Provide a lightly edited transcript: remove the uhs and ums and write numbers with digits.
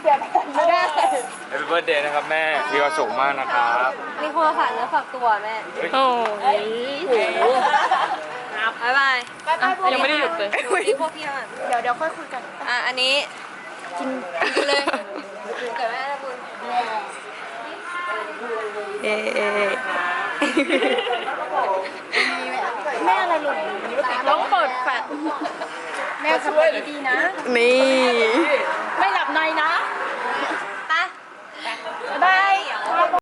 ไม่ได้ Happy birthday นะครับแม่มีความสุขมากนะครับมีคนฝากเนื้อฝากตัวแม่โอ้ยบ๊ายบายยังไม่ได้หยุดเลยนี่พวกพี่อ่ะเดี๋ยวค่อยคุยกันอันนี้กินเลยเกิดแม่นะบุญเอ๊ะแม่อะไรหล่นต้องเปิดแฟลชแม่ขับรถดีๆนะนี่